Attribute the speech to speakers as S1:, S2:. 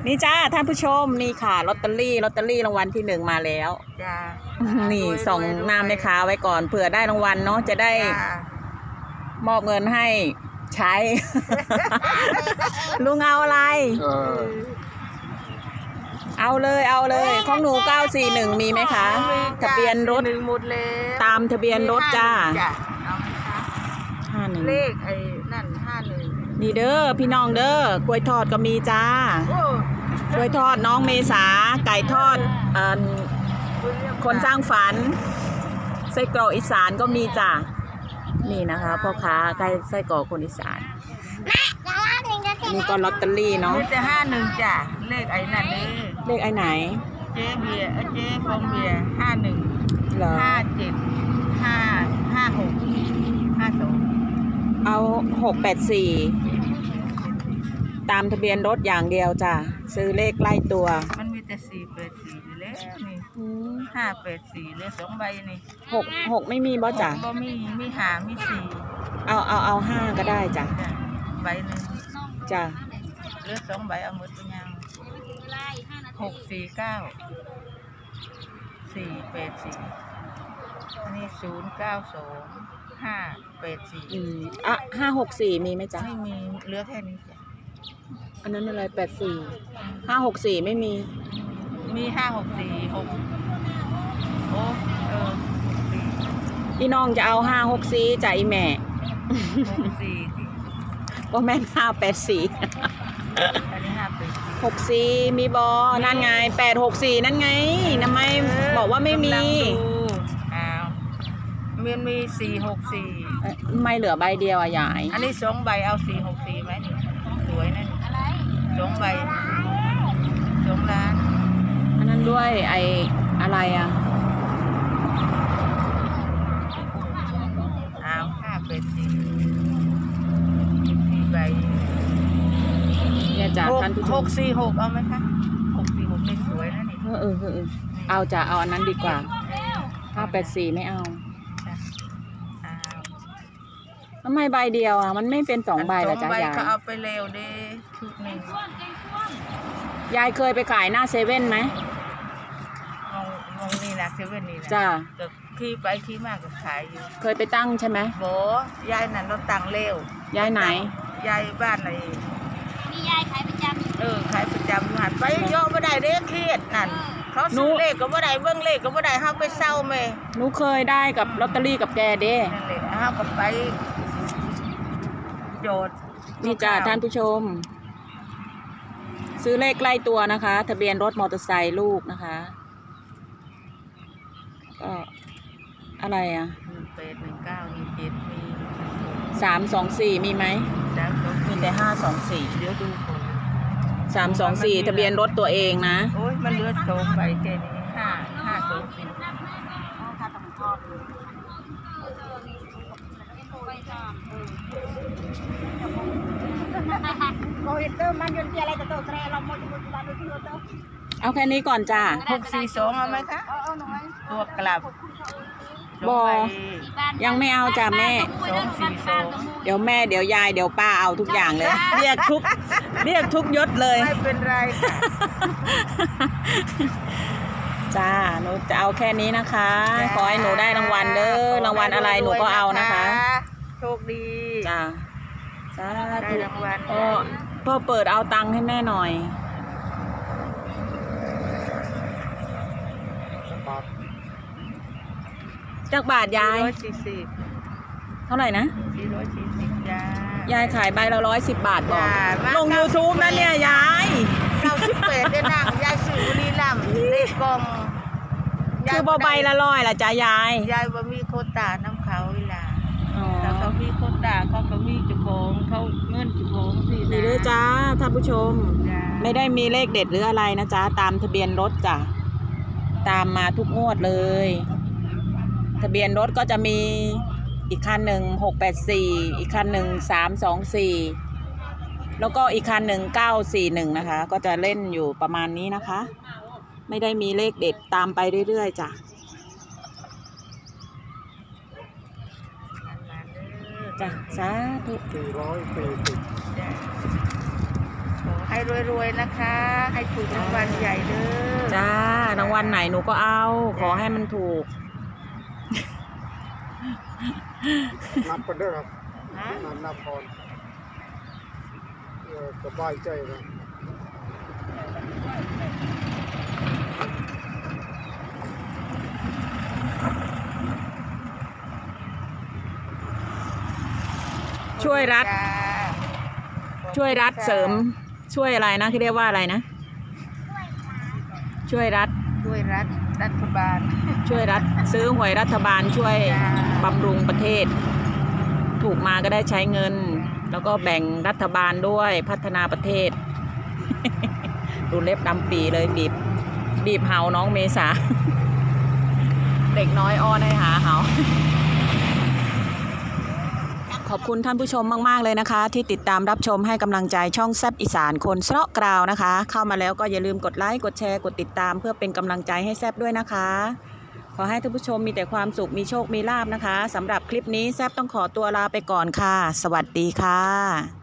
S1: นี่จ้าท่านผู้ชมนี่ค่ะลอตเตอรี่รางวัลที่1มาแล้ว
S2: จ้า
S1: นี่ส่งนามแม่ค้าไว้ก่อนเผื่อได้รางวัลเนาะจะได้มอบเงินให้ใช้ ลุงเอาอะไรเอาเลยของหนู941มีไหมคะทะเบียนรถ
S2: หมดแล้ว
S1: ตามทะเบียนรถจ้า
S2: เอาไหมคะ
S1: 51
S2: เลขไอ้นั่น51
S1: นี่เด้อพี่น้องเด้อกล้วยทอดก็มีจ้ากล้วยทอดน้องเมษาไก่ทอดคนสร้างฝันไส้กรอกอีสานก็มีจ้านี่นะคะพ่อค้าไก่ไส้กรอกคนอีสานนี่ก็ลอตเตอรี่เนาะ
S2: จะ51จ้ะเลขไอ้นั่น
S1: เลขไอ้ไหน
S2: เจ๊เบียร์เจ๊ฟองเบียร์51
S1: เหรอ
S2: 57 56 52
S1: เอา684ตามทะเบียนรถอย่างเดียวจ้ะซื้อเลขใกล้ตัว
S2: มันมีแต่484อยู่แล้วนี่584เหลือ2ใบนี่
S1: 6ไม่มีบ่จ้ะ
S2: บ่มี5มี4
S1: เอา5ก็ได้จ้ะ
S2: ใบนึง
S1: จ้ะ
S2: เหลือ2ใบเอาหมดตัวยัง649 484อันนี้092 584
S1: 564มีไหมจ๊ะ
S2: ไม่มีเหลือแค่นี้จ้ะ
S1: อันนั้นอะไร84 564ไม่มี
S2: 564 6โอ้
S1: พี่น้องจะเอา564จ่ะอีแม่
S2: 64
S1: ก็แม่น584
S2: อันนี้
S1: 64มีบอนั่นไง864นั่นไงทำไมบอกว่าไม่มี
S2: มันมี464
S1: ไม่เหลือใบเดียวอ่ะยาย
S2: อันนี้2ใบเอา464ไหมสวยนั่น2ใบ2 ล้าน
S1: อันนั้นด้วยไออะไรอ่ะ
S2: เอา584ใบ
S1: เนี่ยจ้ะท่านผู้ชม
S2: 646เอาไหมคะ646เป็นสวยนะนี่
S1: เอาจ้ะเอาอันนั้นดีกว่า584ไม่เอาทำไมใบเดียวอ่ะมันไม่เป็น2ใบล่ะจ๊ะยาย
S2: ก็เอาไปเร็วดิชุดหนึ่ง
S1: ยายเคยไปขายหน้าเซเว่นไหม
S2: มองนี่นะเซเว่นนี่นะ
S1: จ้า
S2: ขี่ไปขี่มากก็ขายอยู่
S1: เคยไปตั้งใช่ไหม
S2: โบยายนั่นเราตั้งเร็วย
S1: ายไหน
S2: ยายบ้านไหน
S3: มียายขายประจ
S2: ำขายประจำหันไปเยอะไม่ได้เด้เครียดนั่นเขาซื้อเลขก็ไม่ได้เบิ้งเลขก็ไม่ได้ห้าไปเศร้าไหม
S1: หนูเคยได้กับลอตเตอรี่กับแกเด้
S2: นั่นแหละห้ากับไปโจทย์
S1: นี่จ้าท่านผู้ชมซื้อเลขใกล้ตัวนะคะทะเบียนรถมอเตอร์ไซค์ลูกนะคะก็อะไรอ่ะ
S2: 181917มี
S1: 324มีไหมมีแต่524
S2: เดี๋ยวดูก่อน
S1: 324ทะเบียนรถตัวเองนะ
S2: โอ้ยมันเหลือ2ใบแค่นี้524
S1: เอาแค่นี้ก่อนจ้า
S2: 642เอาไหมคะตัวกลับ
S1: บอยังไม่เอาจ้าแม่เดี๋ยวแม่เดี๋ยวยายเดี๋ยวป้าเอาทุกอย่างเลยเรียกทุกยศเลย
S2: ไม่เป็นไร
S1: จ้าหนูจะเอาแค่นี้นะคะขอให้หนูได้รางวัลเด้อรางวัลอะไรหนูก็เอานะคะ
S2: โชคดี
S1: จ้า
S2: ได้รางวัล
S1: พ่อเปิดเอาตังค์ให้แม่หน่อยจากบาทยาย
S2: 440
S1: เท่าไหร่นะ
S2: 440จ้าย
S1: ายขายใบละ110 บาทบอกลง YouTube นะเนี่ยยาย
S2: 98ได้นั่งยายสื่อบุรีรัมย์เลขกอง
S1: คือใบละ100ล่ะจ้ายาย
S2: ว่ามีโคตาน้ำเขาเวลาแล้วเขามีโคตาเขาก็มีจุโกงเขาเงินจุโกงสิ
S1: ดีด้วยจ้าท่านผู้ชมไม่ได้มีเลขเด็ดหรืออะไรนะจ๊ะตามทะเบียนรถจ้ะตามมาทุกงวดเลยทะเบียนรถก็จะมีอีกคันหนึ่ง684อีกคันหนึ่ง324แล้วก็อีกคันหนึ่ง941นะคะก็จะเล่นอยู่ประมาณนี้นะคะไม่ได้มีเลขเด็ดตามไปเรื่อยๆจ้ะจ้ะสาธุ
S2: 440 ขอให้รวยๆนะคะ ให้ถูกรางวัลใหญ่เด้อ
S1: จ้ารางวัลไหนหนูก็เอา ขอให้มันถูก
S4: นับกันด้วยครับ
S2: ฮะ
S4: นับก่อนสบายใจนะ
S1: ช่วยรัฐ
S2: จ้า
S1: ช่วยรัฐเสริม ช่วยอะไรนะที่เรียกว่าอะไรนะ ช่วยรัฐ
S2: ช่วยรัฐบาล
S1: ช่วยรัฐซื้อหวยรัฐบาลช่วย
S2: จ้า
S1: บำรุงประเทศ ถูกมาก็ได้ใช้เงิน แล้วก็แบ่งรัฐบาลด้วยพัฒนาประเทศ ดูเล็บดำปีเลยบีบเห่าน้องเมษา เด็กน้อยอ้อนให้หาเห่า ขอบคุณท่านผู้ชมมากๆเลยนะคะ ที่ติดตามรับชมให้กำลังใจช่องแซบอีสานคนเสาะกราวนะคะ เข้ามาแล้วก็อย่าลืมกดไลค์กดแชร์กดติดตามเพื่อเป็นกำลังใจให้แซบด้วยนะคะ ขอให้ท่านผู้ชมมีแต่ความสุขมีโชคมีลาภนะคะสำหรับคลิปนี้แซบต้องขอตัวลาไปก่อนค่ะ สวัสดีค่ะ